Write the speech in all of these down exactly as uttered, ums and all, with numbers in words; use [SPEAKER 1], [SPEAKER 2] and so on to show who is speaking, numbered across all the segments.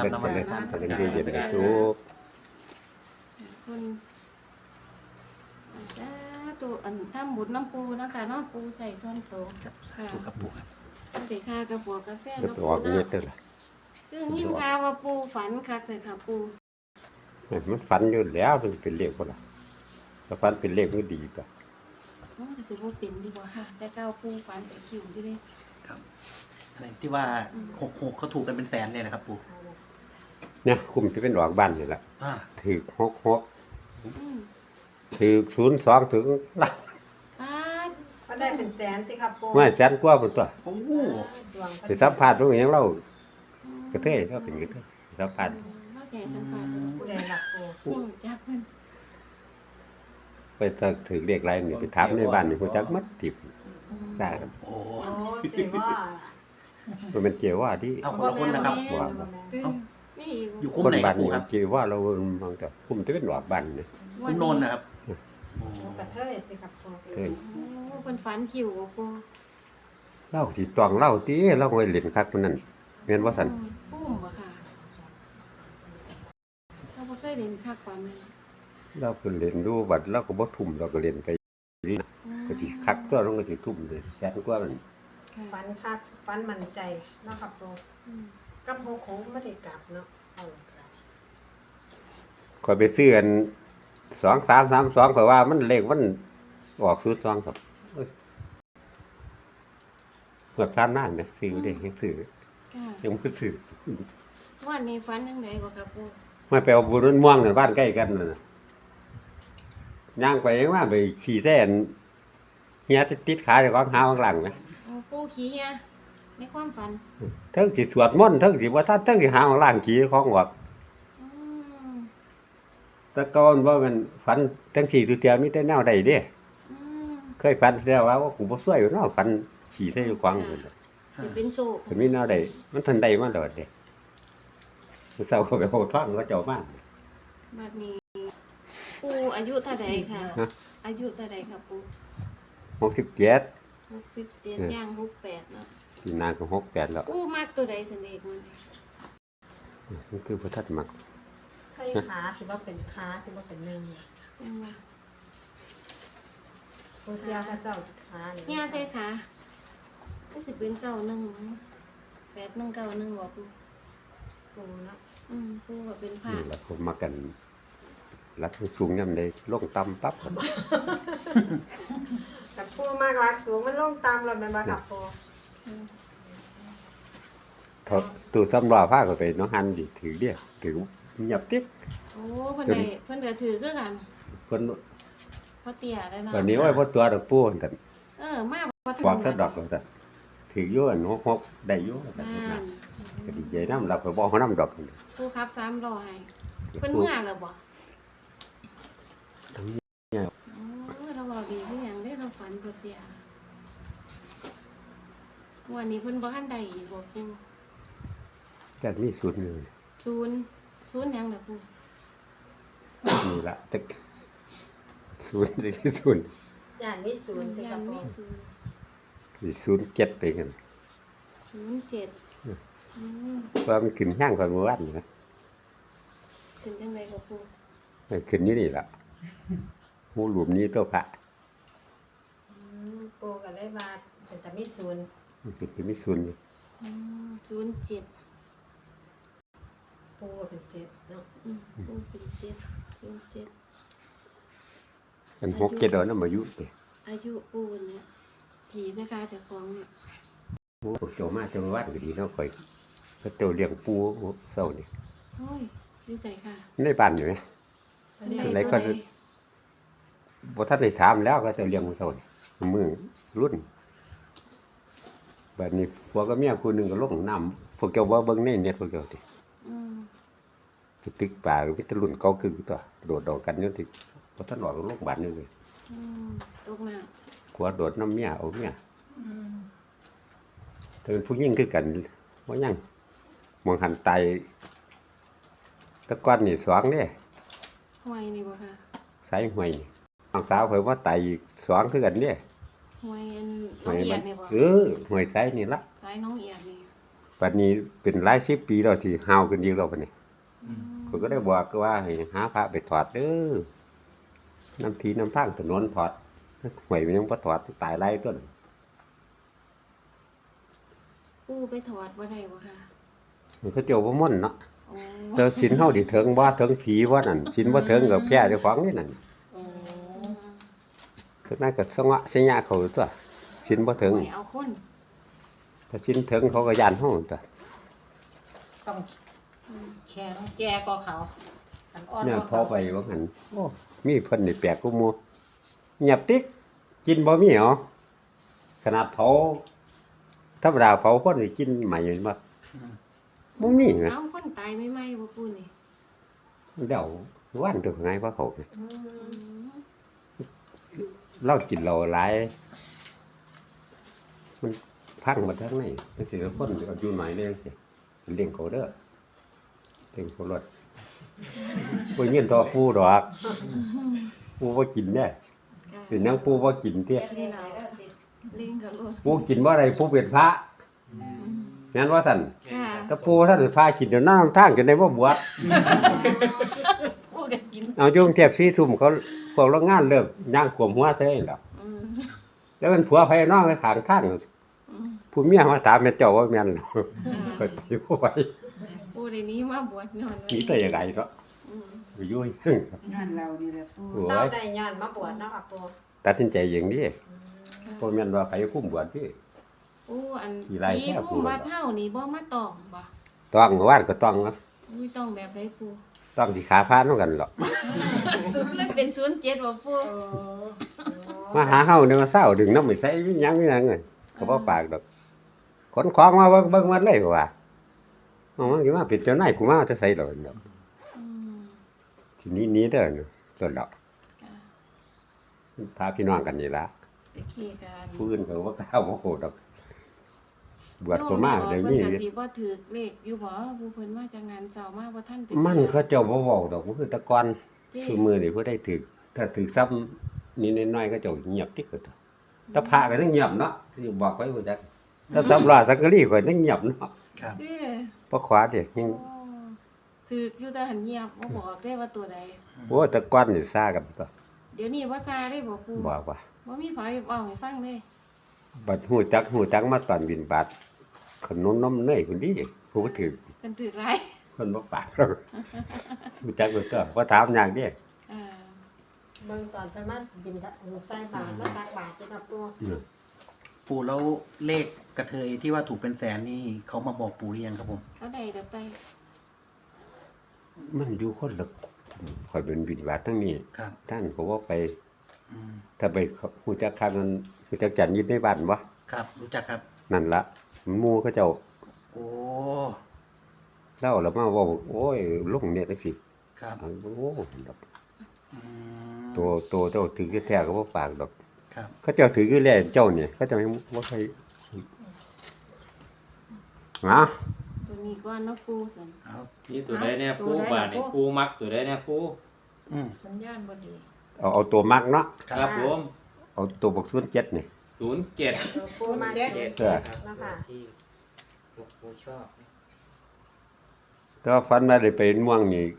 [SPEAKER 1] ครับนมัสการ
[SPEAKER 2] เป็นดีเย็นเป็นสุข
[SPEAKER 3] คนจ้าตัวอันทำบุญน้ำปูนะคะเนาะปูใส่ส่วนโต
[SPEAKER 1] ครับสาธุครับปู่ครับ
[SPEAKER 3] เด็กข้ากระปัวกาแฟ
[SPEAKER 2] เดี๋ยว
[SPEAKER 3] กระ
[SPEAKER 2] ไป
[SPEAKER 3] ปู
[SPEAKER 2] ออกเงีย
[SPEAKER 3] เนาะ
[SPEAKER 2] บเด้อล่ะ
[SPEAKER 3] คือยิ่งข่าวว่าปูฝันคักเลยค่ะปู
[SPEAKER 2] มันฝันอยู่แล้วมันเป็นเลขบ่ล่ะถ้าฝันเป็นเลขมันดีก็
[SPEAKER 3] โอ้แต่สิบ่เป็นดีกว่าค่ะ แต่เก้าปูฝันแต่คิวอยู่เลย
[SPEAKER 1] ครับอะไรที่ว่าหกหกเขาถูกกันเป็นแสนเนี่ยนะครับปู่
[SPEAKER 2] เนี่ยคุมสิเป็นออกบ้านนี่ล่ะ
[SPEAKER 1] อ่า
[SPEAKER 2] ถูกหกหก
[SPEAKER 3] อืม
[SPEAKER 2] ถูกศูนย์สองถึงล้าน
[SPEAKER 3] ป้าด
[SPEAKER 4] ก็ได้เป็นแสนสิครับปู
[SPEAKER 2] ไม่แสนกว่าพุ่นตัว
[SPEAKER 1] โอ้โห
[SPEAKER 4] ดวง
[SPEAKER 2] ไปสัมภาษณ์ตรงนี้เรากระเทยเราเป็นกระเทยไปสัมภาษณ์
[SPEAKER 3] เข้าใจสัมภาษณ์
[SPEAKER 4] ผู้ใดหลักปู
[SPEAKER 3] ปูจักเพิ่น
[SPEAKER 2] ไปถ้าถือเลขไรนี่ไปถามในบ้านนี่ฮู้จักหมัดทิพย์
[SPEAKER 3] อืม
[SPEAKER 2] ซ่ากัน
[SPEAKER 1] โอ้
[SPEAKER 4] โอ้เจ๋ว่า
[SPEAKER 2] มันเป็นเจว่าที่
[SPEAKER 1] เอาคนละคนนะครับ
[SPEAKER 2] ว่า
[SPEAKER 3] เพิ่นนี่อีก
[SPEAKER 1] อยู่คุ้ม
[SPEAKER 2] คน
[SPEAKER 1] ไหนค
[SPEAKER 2] บ้า
[SPEAKER 1] รั
[SPEAKER 2] น
[SPEAKER 1] บปู่
[SPEAKER 2] นี่
[SPEAKER 1] ครับ
[SPEAKER 2] เจว่าเราบางแต่คุมสิเป็นออกบ้านนี่
[SPEAKER 1] คุ้มโนนนะครับโอ้
[SPEAKER 4] กระเทยสิครับปู
[SPEAKER 2] เฮ้ย
[SPEAKER 3] โอ้เพิ่นฝันคิวบ่ปู
[SPEAKER 2] เล่าสิตองเล่าติเราไว้เล่นคักมันนั่นแม่นว่าซั่น
[SPEAKER 3] อืมปุ้มบ่ค่ะเราบ่เคยเล่นคักกว่านั้น
[SPEAKER 2] เราก็เล่นดูบัดเราก็บ่ทุ่มเราก็เล่นไป
[SPEAKER 3] อืม
[SPEAKER 2] ก็สิคักตัวเราก็สิทุ่มเลยแสนกว่ามัน
[SPEAKER 3] ค่ะ
[SPEAKER 4] ฟันคักฟันมั่นใจเนาะครับปู
[SPEAKER 3] อืม
[SPEAKER 4] กับโคโค้งไม่ได้กลับเนาะเอาครับ
[SPEAKER 2] ข่อยไปซื้ออันสอง สาม สาม สองข่อยว่ามันเลขมันออกศูนย์สองครับเอ้ยเมื่อผ่านมาเนี่ยซื้อได้ยังซื้อ
[SPEAKER 3] ค่ะ
[SPEAKER 2] ยังบ่ซื้อ
[SPEAKER 3] วันนี้ฝันจังไดบ่ครับปู
[SPEAKER 2] มาไปเอาบุญม่วงนั่นบ้านใกล้กันนั่นน่ะย่างไปยังว่าไปขี่แซ่นเฮียติดขาเจ้าของหาข้างหลังนะ
[SPEAKER 3] เอาปูขี้เฮียในความฝัน
[SPEAKER 2] เทั้งสิสวดมนต์เทั้งสิบ่ทันเทั้งสิหาข้างหลังขี่ของออก
[SPEAKER 3] อืม
[SPEAKER 2] แต่ก่อนว่ามันฝันจังสี่สุเตียมีแต่แนวใดเด้
[SPEAKER 3] อืม
[SPEAKER 2] เคยฝันแล้วว่ากูบ่ซวยอยู่เนาะฝันขี่ใส่อยู่ขวางพุ่นน่ะ
[SPEAKER 3] สิเป็นโชค
[SPEAKER 2] มันมีแนวใดมันทันใดมาโดดเด้ผู้สาวก็ไปโหท่องเขาเจ้ามา
[SPEAKER 3] บัดนี้ปูอายุเท่าใดค่ะ
[SPEAKER 2] ฮะ
[SPEAKER 3] อายุเท่าใดครับปู
[SPEAKER 2] หกสิบเจ็ด
[SPEAKER 3] หกสิบเจ็ดย่างหกแปดเนาะ
[SPEAKER 2] ปีหน้าก็หกแปดแล้ว
[SPEAKER 3] ปูมักตัวใดสันเอกมัน
[SPEAKER 2] มันคือพระทัดมัก
[SPEAKER 4] ใส่ขาสิว่าเป็นขาสิว่าเป็นหนึ่ง
[SPEAKER 3] ยังว่า
[SPEAKER 4] ปูเทียพระเจ้าขา
[SPEAKER 3] เฮียใส่ขาก็สิเป็นเก้าหนึ่งมั้งแปดหนึ่งเก้าหนึ่งบ่ปู
[SPEAKER 4] ปูเนาะ
[SPEAKER 3] อืมปูก็เป็นผ้า
[SPEAKER 2] นี่แหละผมมากันรักสูงยามใดลงต่ำปั๊บ
[SPEAKER 4] กับปูมากรักสูงมันลงตามรถแม่นบ่ครับปู
[SPEAKER 3] อืม
[SPEAKER 2] ถอดตู้สำรอผ้าก็ไปน้องหันดิถือเรียกถือเงียบติ๊บ
[SPEAKER 3] โอ้เพิ่นได้เพิ่นก็ถือคือกัน
[SPEAKER 2] คน
[SPEAKER 3] พอเตี้ยแล้วเนาะ
[SPEAKER 2] วันนี้ว่าพอตัวดอกปูนั่น
[SPEAKER 3] เออมาบ่ทัน
[SPEAKER 2] บอกซะดอกก็ซะถืออยู่อันหกๆได้อยู่ว่าซั่น
[SPEAKER 3] นั่
[SPEAKER 2] นะ
[SPEAKER 3] น
[SPEAKER 2] ก็ดีใจนำเราก็บ่เฮานำดอกนั่น
[SPEAKER 3] ปูครับสามร้อยเพิ่นเมื่อแล้วบ่
[SPEAKER 2] ทั้งนี้
[SPEAKER 3] โอ้เราบอกดีคือหยังได้เราฝันบ่เสียวันนี้เพิ่นบ่ทันได้อีกบ่ปู
[SPEAKER 2] จัดมีสูตรหนึง
[SPEAKER 3] ศูนย์ศูนย์หยังล่ะปู
[SPEAKER 2] นี่ล่ะตึกศูนย์ที่ศูนย์
[SPEAKER 4] ย่านมีศูนย์สิค
[SPEAKER 3] ยั
[SPEAKER 4] รับ
[SPEAKER 3] ง
[SPEAKER 4] ปู
[SPEAKER 3] มีศูนย์
[SPEAKER 2] ที่ศูนย์เจ็ดไปกัน
[SPEAKER 3] ศูนย์เจ็ดอืม
[SPEAKER 2] ว่ามันขึ้นห้างก่อนเมื่อวานนี่นะ
[SPEAKER 3] ถึงจังไดก็ปู
[SPEAKER 2] มันขึ้นอยู่นี่ล่ะหูหลุมนี้ตัวพระ
[SPEAKER 4] อืมปูก็เลยว่าเป็นแต่มีศูนย์
[SPEAKER 2] มันเป็นมีศูนย์อยู่
[SPEAKER 3] อืมศูนย์เจ็ด
[SPEAKER 4] ปูก็เป็นเจ็ดเนาะ
[SPEAKER 3] อืมปูเป็นเจ็ดศูนย์เจ็ด
[SPEAKER 2] อันหกเจ็ดเอานำอายุเด้
[SPEAKER 3] อายุปูเนี่ยผีนะคะเจ้าของเนี่ย
[SPEAKER 2] โอ้พวกเจ้ามาเจ้ามาวัดก็ดีเนาะข่อยก็เจ้าเลี้ยงปูเศร้านี่
[SPEAKER 3] โอ้ยอยู่ใส่ค่ะ
[SPEAKER 2] ในบ้านอยู่ไหม
[SPEAKER 4] อันนี้
[SPEAKER 3] อั
[SPEAKER 2] อะไรก็
[SPEAKER 3] ตัวใด
[SPEAKER 2] บ่ทันได้ถามแล้วก็เจ้าเลี้ยงปูเศร้านี่มือรุ่นบัดนี้ผัวกับเมียคู่หนึงก็ลงน้ำพวกเจ้าบ่เบิ่งในเน็ตพวกเจ้าติ
[SPEAKER 3] อืม
[SPEAKER 2] ไปตึกป่าก็มีแต่รุ่นเก่าคือตัวโดดดอกกันอยู่ที่บ่ทันออกโรงพยาบาลนี่เลย
[SPEAKER 3] อืมตกน้
[SPEAKER 2] ผัวโดดน้ำเมียเอาเมีย
[SPEAKER 4] อืม
[SPEAKER 2] ถ้าเป็นผู้หญิงคือกันบ่ยังมองหันตายแตะก้อนนี่สองเด้
[SPEAKER 3] ำห้วยนี่บ่ค่ะ
[SPEAKER 2] สายห้วยนี่น้องสาวเพิ่นว่าตายอีกสองคือกันเด้
[SPEAKER 3] ห้วยอันน้
[SPEAKER 2] ห้
[SPEAKER 3] อง
[SPEAKER 2] วย
[SPEAKER 3] เอีย
[SPEAKER 2] มั
[SPEAKER 3] ด
[SPEAKER 2] น
[SPEAKER 3] นี่บ่
[SPEAKER 2] เออห้วยสายนี่ละ
[SPEAKER 3] สายน้องเอียดนี่
[SPEAKER 2] ตบัดนี้เป็นหลายสิบปีแล้วที่ห่าวขึ้นอีกแล้วบัดนี้
[SPEAKER 1] อืม
[SPEAKER 2] เขาก็ได้บอกว่าให้หาพระไปถอดเด้อน้ำทีน้ำทางถนนถอดห่วยมันยังบ่ถอดตายหลายต้น
[SPEAKER 3] ปูไปถอดบ่ได้บ่ค่ะ
[SPEAKER 2] มันเขาเจ้าบ่ม่นเนาะ
[SPEAKER 3] โอ้
[SPEAKER 2] แต่ศีลเฮาสิถึงบ่ถึงผีบ่นั่นศีลบ่ถึงก็แพ้เจ้าของนี่นั่น
[SPEAKER 4] โอ้
[SPEAKER 3] อืม
[SPEAKER 2] ถึงนั้นก็สงะสัญญาเขาตัวศีลบ่ถึง
[SPEAKER 3] ไม่เอาคน
[SPEAKER 2] ถ้าศีลถึงเขาก็ย่านเฮาตัว
[SPEAKER 4] ต้อง
[SPEAKER 3] อืม
[SPEAKER 4] แข็งแก่กว่าเขาอันอ่อน
[SPEAKER 2] เนี่ย
[SPEAKER 4] กว่า
[SPEAKER 2] พอ
[SPEAKER 4] เขา
[SPEAKER 2] ไปว่าหั่นโอ้มีเพิ่นนี่แปลกกูหมู่เงียบติ๊กกินบ่มีเหรอขนาดเผาธรรมดาเผาคนนี่กินใหม่บ่
[SPEAKER 1] อืม
[SPEAKER 2] บ่มีนะ
[SPEAKER 3] เอาคนตายไม่ไหมบ่ปูนี่
[SPEAKER 2] เดี๋ยววันตัวไงว่าเขา
[SPEAKER 4] อื
[SPEAKER 3] อื
[SPEAKER 4] ม
[SPEAKER 3] ม
[SPEAKER 2] เรากินเราหลาย มันพังมาทั้งไหนจังซี่คนอายุน้อยเลยจังซี่เลี้ยงเขาเด้อเลี้ยงเขารถบ่เงินต่อปูดอกปูบ่กินแน่เป็นหยังปูบ่กินเตี้ย
[SPEAKER 4] เรียนหลายแล้วสิ
[SPEAKER 3] เล่งกับรถ
[SPEAKER 2] ปูกินบ่ได้ปูเป็นพระ
[SPEAKER 1] อืม
[SPEAKER 2] แม่นว่าซั่น
[SPEAKER 3] ค่ะ
[SPEAKER 2] ถ้าปูท่านเป็นพระกินเดี๋ยวน้ำทางจนได้บ่บวช
[SPEAKER 3] ปูก็กิน
[SPEAKER 2] เอาอยู่กรุงเทพสี่ทุ่มเขาพวกโรงงานเลิกย่างขวมหัวใส่แล้ว
[SPEAKER 3] อืม
[SPEAKER 2] แล้วมันผัวภายนอกไปข้างทาง
[SPEAKER 3] อืม
[SPEAKER 2] ผู้เมียมาถามแม่เจ้าว่าแม่นหรอ
[SPEAKER 3] อ่า
[SPEAKER 2] ก็สิบ่ไหว
[SPEAKER 3] ปูในนี้มาบวชนอนไว้
[SPEAKER 2] หนีแต่ยังไงเนาะ
[SPEAKER 3] อืม
[SPEAKER 2] ไปอยู่ซึ่ง
[SPEAKER 5] งานเรานี่แหละปู
[SPEAKER 2] โอ้
[SPEAKER 4] เศร้าย ได้ย้อนมาบวชเนาะค่ะปู
[SPEAKER 2] ตัดสินใจอย่างนี้
[SPEAKER 4] อืม
[SPEAKER 2] บ่แม่นว่าใครคุ้มบวชพี่
[SPEAKER 3] ปูอัน
[SPEAKER 2] กี่ไร่
[SPEAKER 3] ผี
[SPEAKER 2] แค่ปู
[SPEAKER 3] ผู้วัดเฮานี่บ่มาตองบ่
[SPEAKER 2] ต้องวาดก็ต้องนะ
[SPEAKER 3] อุ้ยต้องแบบใดปู
[SPEAKER 2] ต้องสิขาพานนำกันหรอก
[SPEAKER 3] ศูนย์เลยเป็นศูนย์เจ็ดบ่ปู
[SPEAKER 4] โอ้
[SPEAKER 2] มาหาเฮาเนี่ยมาเศร้าดึงน้ำไม่ใส่มีหยังมีหยังเงินก็บ่ปากดอกขนของมาเบิ่งเบิ่งมันเลยว่าเอามันสิมาเป็นเจ้านายกูมาจะใส่ดอกเนาะ
[SPEAKER 3] อืม
[SPEAKER 2] ทีนี้หนี้เด้อเนาะต้นดอก
[SPEAKER 3] ค่ะ
[SPEAKER 2] พาพี่น้องกันนี่ล่ะ
[SPEAKER 3] ไปขี่กัน
[SPEAKER 2] ผู้อื่นก็บ่กล้าบ่โหดดอกบวชก็มาได้
[SPEAKER 3] เดี๋ยว
[SPEAKER 2] มี
[SPEAKER 3] เพิ่นก็สิบ่ถือเลขอยู่บ่ผู้เพิ่นมาจากงานเช้ามาบ่ทันเป็น
[SPEAKER 2] มันเขาเจ้าบ่เว้าดอกมันคือแตะกอน
[SPEAKER 3] เจ้
[SPEAKER 2] ซุมื้อนี่ผู้ใดถึกถ้าถึกซ้ำนิดน้อยๆก็เจ้าเงียบติ๊กก็ตัวถ้าพระก็ต้องเงียบเนาะที่บอกไว้ว่าจักถ้าสำราสังกะรีก็ต้องเงียบเนาะ
[SPEAKER 1] ครับ
[SPEAKER 3] เด้
[SPEAKER 2] เพราะขวาเด็กยัง
[SPEAKER 3] โอ้ถืออยู่แต่หันเงียบบ่บอกได้ว่าตัวใด
[SPEAKER 2] โอ้แตะกอนนี่ซ่ากันตัว
[SPEAKER 3] เดี๋ยวนี้ว่าซาได้บ่ปู
[SPEAKER 2] บอกว่า
[SPEAKER 3] บ่มีไผเว้าให้ฟังเลย
[SPEAKER 2] บัดฮู้จักฮู้จักมาตอนบินบาตขนมนมเนยคนดีผู้บ่ถือ
[SPEAKER 3] เพิ่นถือหลาย
[SPEAKER 2] คนบ่ปากหรอกฮู้จักเบิดตัวบ่ถามอย่างเด้
[SPEAKER 3] อ่า
[SPEAKER 4] เบิ่งตอนเพิ่นมาบินทะใส่บาตรมาตักบาตรจ้ะค่ะปู
[SPEAKER 1] ปู่แล้วเลขกระเทยที่ว่าถูกเป็นแสนนี่เขามาบอกปู่หรือยังครับผม
[SPEAKER 3] เขาได้เดี๋ยวไป
[SPEAKER 2] มันอยู่คนละข่อยเป็นบินบาตทั้งนี้
[SPEAKER 1] ครับ
[SPEAKER 2] ท่านก็บ่ไป
[SPEAKER 1] อืม
[SPEAKER 2] ถ้าไปฮู้จักคักนั้นฮู้จักจันยินในบ้านบ่
[SPEAKER 1] ครับ รู้จักครับ
[SPEAKER 2] นั่นละหมู่เขาเจ้า
[SPEAKER 1] โอ้
[SPEAKER 2] เล่าแล้วมาเว่าโอ้ยลงเนี่ยจังซี่
[SPEAKER 1] ครับ
[SPEAKER 2] อันโอ้ดอก
[SPEAKER 1] อืม
[SPEAKER 2] ตัวตัวเจ้าถือแท้ๆก็บ่ปากดอก
[SPEAKER 1] ครับ
[SPEAKER 2] เขาเจ้าถือคือแลเจ้าเนี่ยเขาเจ้ายังบ่เคยฮะ
[SPEAKER 3] ตัวนี้ก่อนเนาะปูซั่น
[SPEAKER 1] เอา
[SPEAKER 6] นี่ตัวใดเนี่ยปูบาทนี่ปูมักตัวใดเนี่ยปู
[SPEAKER 1] อืม
[SPEAKER 4] สัญญาณบ่ดี
[SPEAKER 2] เอาเอาตัวมักเนาะ
[SPEAKER 6] ครับผม
[SPEAKER 2] เอาตัวบักศูนย์เจ็ดนี่
[SPEAKER 6] ศูนย์เจ็ด
[SPEAKER 4] ตัวปูมา
[SPEAKER 5] เจ็ด
[SPEAKER 6] เจ็ด
[SPEAKER 2] เออ
[SPEAKER 6] ครับ
[SPEAKER 4] นะคะ
[SPEAKER 6] ที่ปูชอบ
[SPEAKER 2] แต่ว่าฝันว่าได้ไปม่วงนี่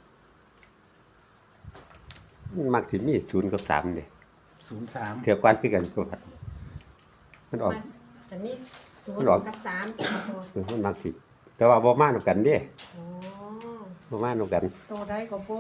[SPEAKER 2] มันมักสิมีศูนย์กับสามนี่
[SPEAKER 1] ศูนย์สาม
[SPEAKER 2] เทื่อก่อนคือกันก็ฝันมันออก
[SPEAKER 4] จะมีศูน
[SPEAKER 2] มัน
[SPEAKER 4] ย์
[SPEAKER 2] ออก
[SPEAKER 4] กับสามจ้ะค่ะปู
[SPEAKER 2] เออมันมักสิแต่ว่าบ่มานำกันเด้
[SPEAKER 4] โอ้
[SPEAKER 2] บ่มานำกัน
[SPEAKER 5] ตัวใดก็ปู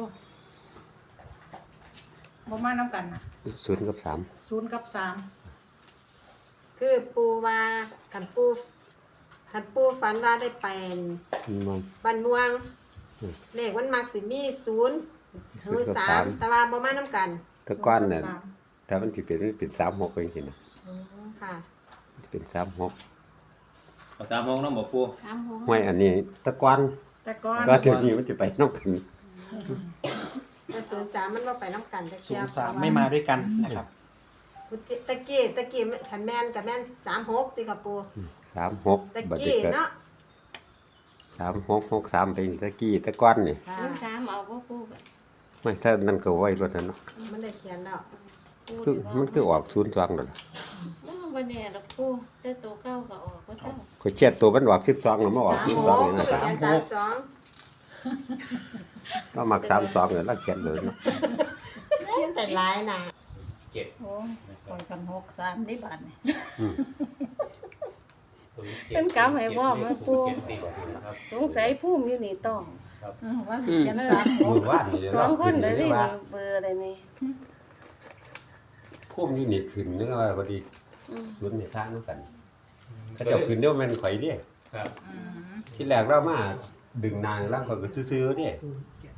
[SPEAKER 5] บ่มาน้ำกันนะ
[SPEAKER 2] ศูนย์กับสาม
[SPEAKER 5] ศูนย์กับสาม
[SPEAKER 4] คือปูว่าคันปูคันปูฝันว่าได้ไป
[SPEAKER 2] มัน
[SPEAKER 4] บ้านม่วง
[SPEAKER 2] อืม
[SPEAKER 4] เลขมันมักสิมีศูนย์
[SPEAKER 2] ศูนย์กับ
[SPEAKER 4] สา
[SPEAKER 2] สาม
[SPEAKER 4] มแต่ว่าบ่มานํกัน
[SPEAKER 2] แต่ก่อนน่ะ
[SPEAKER 5] ศูย์กับสาม
[SPEAKER 2] ถ้ามันสิเป็นมันเป็นสามหกเองสินะ
[SPEAKER 4] อืมค่ะ
[SPEAKER 2] เป็นสามหก
[SPEAKER 6] เอาสามโมงน้องบอกปู
[SPEAKER 3] สามหก
[SPEAKER 2] ห้วยอันนี้แตะกอน
[SPEAKER 5] แต่ก่อน
[SPEAKER 2] ก็เดี๋ยวนี้มันจะไปนอกกัน
[SPEAKER 4] แต่ศูนย์สามมันบ่ไปนํกันตะ
[SPEAKER 1] ศู
[SPEAKER 4] เกีย
[SPEAKER 1] น
[SPEAKER 4] บ
[SPEAKER 1] ย์สามไม่มาด้วยกันนะครับ
[SPEAKER 4] ตะกี้ตะกี้คันแม่นกับแม่นสามหกติค่ะปู
[SPEAKER 2] สามหก
[SPEAKER 4] ตะ
[SPEAKER 2] บัด
[SPEAKER 4] กี้
[SPEAKER 2] นี้ก็
[SPEAKER 4] เนาะ
[SPEAKER 2] สามหกหกสามเป็นตะกี้แตะก้อนนี่
[SPEAKER 4] ค่ะ
[SPEAKER 3] ลูกสามเอาบ่ปูก็
[SPEAKER 2] ไม่ถ้านั่นก็ไว้รถนั่นเนาะ
[SPEAKER 4] มันได้เขียนแล้ว
[SPEAKER 3] ปู
[SPEAKER 2] คือ
[SPEAKER 3] เดี๋ยว
[SPEAKER 2] มันคือออกศูนย์สองนั่นล่ะ
[SPEAKER 3] บ่วันนี้ดอกปูแต่ตัวเก้าก็ออกก็เจ้า
[SPEAKER 2] ข่อยเช็ดตัวมันออกสิบสองแล้วมาออก
[SPEAKER 4] สาม
[SPEAKER 2] สิบ
[SPEAKER 4] ห
[SPEAKER 2] สอง
[SPEAKER 4] ก
[SPEAKER 2] นี่นะ
[SPEAKER 4] เขียนสามสอง
[SPEAKER 2] เรามักสามสองเนี่ยเราเขียนเลยเนาะ
[SPEAKER 4] เขียนแต่หลายน่ะ
[SPEAKER 6] เจ็ด
[SPEAKER 5] โอ้ยปล่อยกันหกสามได้บาทนี่
[SPEAKER 2] อืม
[SPEAKER 6] ศูนย์จ็ด
[SPEAKER 3] เป็นกำให้ว่ามันปู
[SPEAKER 6] เขียนติดนะครับ
[SPEAKER 3] สงสัยภูมิอยู่นี่ต้อง
[SPEAKER 5] อืมว่าสิเขียนสามห
[SPEAKER 2] มื
[SPEAKER 5] ก
[SPEAKER 2] อว่านนี่
[SPEAKER 3] สองคนเลยนี่
[SPEAKER 2] ว่า
[SPEAKER 3] เบอร์อะไรนี่
[SPEAKER 2] พุ่มอยู่นี่ขึ้นนึกว่าพอดี
[SPEAKER 3] อืม
[SPEAKER 2] สวนในทางนั้นกันเขาเจ้าขึ้นเดี๋ยวมันข่อยเด้
[SPEAKER 6] ครับ
[SPEAKER 5] อืม
[SPEAKER 2] ที่แรกเรามาดึงนางร่างข่อยก็ซื่อๆเด้
[SPEAKER 1] ศูนย์เจ็ด